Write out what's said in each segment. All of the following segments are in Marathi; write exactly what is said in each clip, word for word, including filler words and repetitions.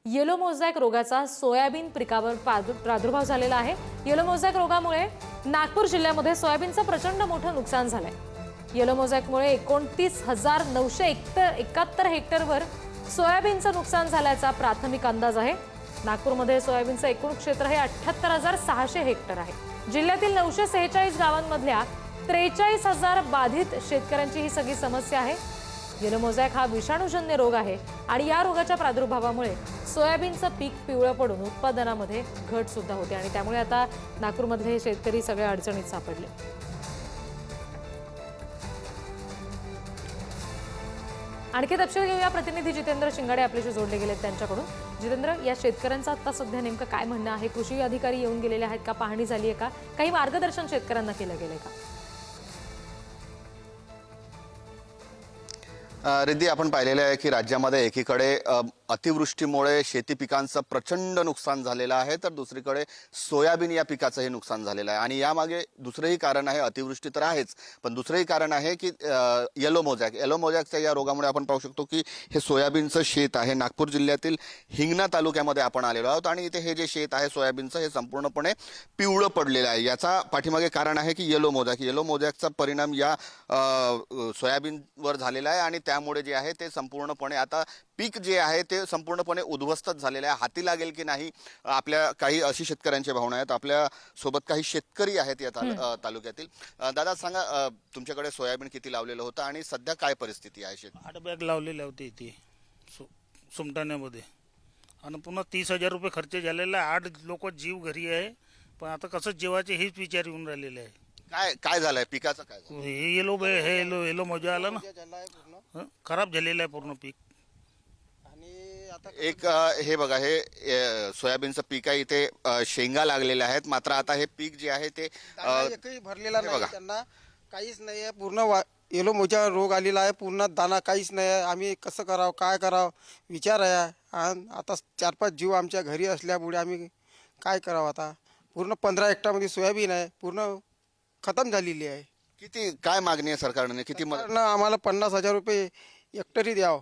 येलो मोझॅक रोगाचा सोयाबीन पिकावर प्रादुर्भाव झालेला आहे। येलो मोझॅक रोगामुळे नागपूर जिल्ह्यामध्ये सोयाबीनचं प्रचंड मोठं नुकसान झालंय। येलो मोझॅकमुळे एकोणतीस हजार नऊशे एकाहत्तर हेक्टरवर सोयाबीनचं नुकसान झाल्याचा प्राथमिक अंदाज आहे। नागपूरमध्ये सोयाबीनचं एकूण क्षेत्र हे अठ्ठ्याहत्तर हजार सहाशे हेक्टर आहे। जिल्ह्यातील नऊशे सेहेचाळीस गावांमधल्या त्रेचाळीस हजार बाधित शेतकऱ्यांची ही सगळी समस्या आहे। येलो मोझॅक हा विषाणूजन्य रोग आहे आणि या रोगाच्या प्रादुर्भावामुळे सोयाबीनचं पीक पिवळं पडून उत्पादनामध्ये घट सुद्धा होते आणि त्यामुळे आता नागपूरमधले शेतकरी सगळ्या अडचणीत सापडले। आणखी तपशील घेऊया, प्रतिनिधी जितेंद्र शिंगाडे आपल्याशी जोडले गेलेत त्यांच्याकडून। जितेंद्र, या शेतकऱ्यांचं आता सध्या नेमकं काय म्हणणं आहे? कृषी अधिकारी येऊन गेलेले आहेत का? पाहणी झाली आहे का? काही मार्गदर्शन शेतकऱ्यांना केलं गेलंय का? रिद्धी, आपण पाहिलेलं आहे की राज्यामध्ये एकीकडे अतिवृष्टीमुळे शेती पिकांचं प्रचंड नुकसान झालेलं आहे, तर दुसरीकडे सोयाबीन या पिकाचंही नुकसान झालेलं आहे। आणि यामागे दुसरंही कारण आहे, अतिवृष्टी तर आहेच, पण दुसरंही कारण आहे की येलो मोझॅक येलो मोझॅकच्या या रोगामुळे आपण पाहू शकतो की हे सोयाबीनचं शेत आहे। नागपूर जिल्ह्यातील हिंगणा तालुक्यामध्ये आपण आलेलो आहोत आणि इथे हे जे शेत आहे सोयाबीनचं, हे संपूर्णपणे पिवळं पडलेलं आहे। याचा पाठीमागे कारण आहे की येलो मोझॅक येलो मोझॅकचा परिणाम या सोयाबीनवर झालेला आहे आणि त्यामुळे जे आहे ते संपूर्णपणे आता पीक जे आहे ते संपूर्णपणे उद्ध्वस्त झालेले आहे। हाती लागेल की नाही, आपल्या काही अशी शेतकऱ्यांची भावना आहेत। आपल्या सोबत काही शेतकरी आहेत या तालुक्यातील। दादा सांगा, तुमच्याकडे सोयाबीन किती लावलेलं होतं आणि सध्या काय परिस्थिती आहे? शेत आठ बॅग लावलेले होते इथे सुमटाण्यामध्ये आणि पुन्हा तीस हजार रुपये खर्च झालेला आहे। आठ लोक जीव घरी आहे, पण आता कसं जेवायचे हेच विचार येऊन राहिलेले आहे। काय काय झालंय पिकाचं? काय हे येलो हे येलो येलो मोजा आला ना, खराब झालेलं आहे पूर्ण पीक। एक हे बघा, हे सोयाबीनचं पीक आहे, इथे शेंगा लागलेल्या आहेत, मात्र आता हे पीक जे आहे ते एकही भरलेला नाही, त्यांना काहीच नाही आहे। पूर्ण येलो मोजा रोग आलेला आहे, पूर्ण दाना काहीच नाही आहे। आम्ही कसं करावं, काय करावं विचार आहे। आता चार पाच जीव आमच्या घरी असल्यामुळे आम्ही काय करावं? आता पूर्ण पंधरा हेक्टरमध्ये सोयाबीन आहे, पूर्ण खतम झालेली आहे। किती काय मागणी आहे सरकारने? किती मदत? आम्हाला पन्नास हजार रुपये हेक्टरी द्यावं,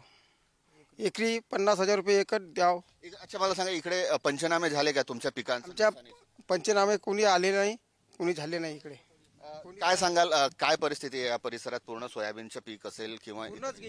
एकरी पन्नास हजार रुपये एकर द्यावं। अच्छा, मला सांगा, इकडे पंचनामे झाले का तुमच्या पिकांचे? आमच्या पंचनामे कोणी आले नाही, कोणी झाले नाही इकडे। काय सांगाल, काय परिस्थिती आहे या परिसरात? पूर्ण सोयाबीनचं पीक असेल किंवा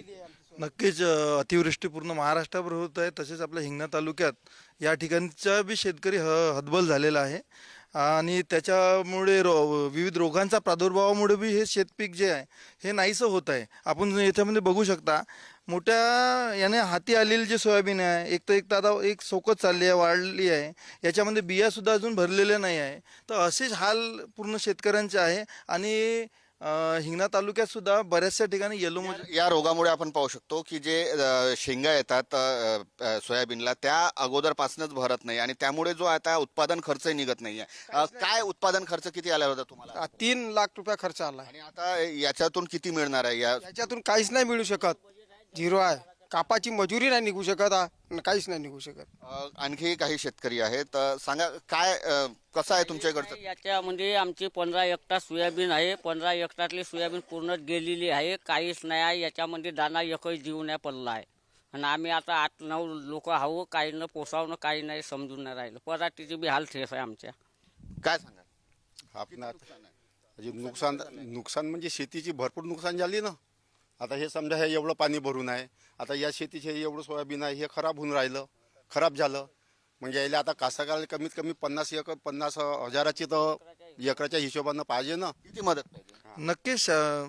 नक्कीच अतिवृष्टी पूर्ण महाराष्ट्रावर होत आहे, तसेच आपल्या हिंगणा तालुक्यात या ठिकाणचा बी शेतकरी ह हतबल झालेला आहे आणि त्याच्यामुळे रो विविध रोगांचा प्रादुर्भावामुळे बी हे शेतपीक जे आहे हे नाहीसं होत आहे। आपण याच्यामध्ये बघू शकता, मोठ्या याने हाती आलेली जे सोयाबीन आहे, एक तर एक दादा एक सोकत चालली आहे, वाढली आहे, याच्यामध्ये बियासुद्धा अजून भरलेल्या नाही आहे। तर असेच हाल पूर्ण शेतकऱ्यांचे आहे आणि हिंगणा तालुक्यात सुद्धा बऱ्याचशा ठिकाणी येलो मोझॅक या रोगामुळे आपण पाहू शकतो की जे शेंगा येतात सोयाबीनला, त्या अगोदरपासूनच भरत नाही आणि त्यामुळे जो आता उत्पादन खर्च निघत नाहीये। काय उत्पादन खर्च किती आला होता तुम्हाला? तीन लाख रुपये खर्च आला आणि आता याच्यातून किती मिळणार आहे? याच्यातून काहीच नाही मिळू शकत, झिरो आहे। कापाची मजुरी नाही निघू शकत, काहीच नाही निघू शकत। आणखी काही शेतकरी आहेत, सांगा काय कसं आहे तुमच्याकडचं? याच्यामध्ये आमची पंधरा हेक्टर सोयाबीन आहे, पंधरा हेक्टरली सोयाबीन पूर्ण गेलेली आहे, काहीच नाही आहे। याच्यामध्ये दाना एकही जीव नाही पडला आहे आणि आम्ही आता आठ नऊ लोक आहो, काही न पोसावणं काही नाही समजून नाही राहिलं। पराठीची बी हाल ठेस आहे आमच्या। काय सांगा आपण? नुकसान नुकसान म्हणजे शेतीची भरपूर नुकसान झाली ना। आता हे समजा हे एवढं पाणी भरून आहे, आता या शेतीचे एवढं सोयाबीन आहे, हे खराब होऊन राहिलं, खराब झालं म्हणजे याला आता कास्तकाराला कमीत कमी पन्नास एकर पन्नास हजाराची तर एकराच्या हिशोबानं पाहिजे ना। किती मदत पाहिजे? नक्कीच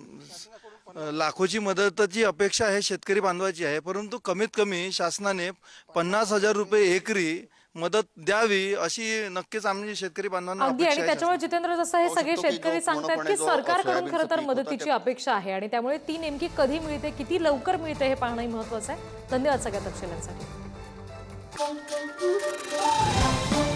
लाखोची मदताची अपेक्षा आहे शेतकरी बांधवाची आहे, परंतु कमीत कमी शासनाने पन्नास हजार रुपये एकरी मदत द्यावी अशी नक्कीच आम्ही शेतकरी बांधवांना अगदी। आणि त्याच्यामुळे जितेंद्र, जसं हे सगळे शेतकरी सांगतात की सरकारकडून खरं तर मदतीची अपेक्षा आहे आणि त्यामुळे ती नेमकी कधी मिळते, किती लवकर मिळते हे पाहणंही महत्त्वाचं आहे। धन्यवाद सगळ्या तपशिलांसाठी।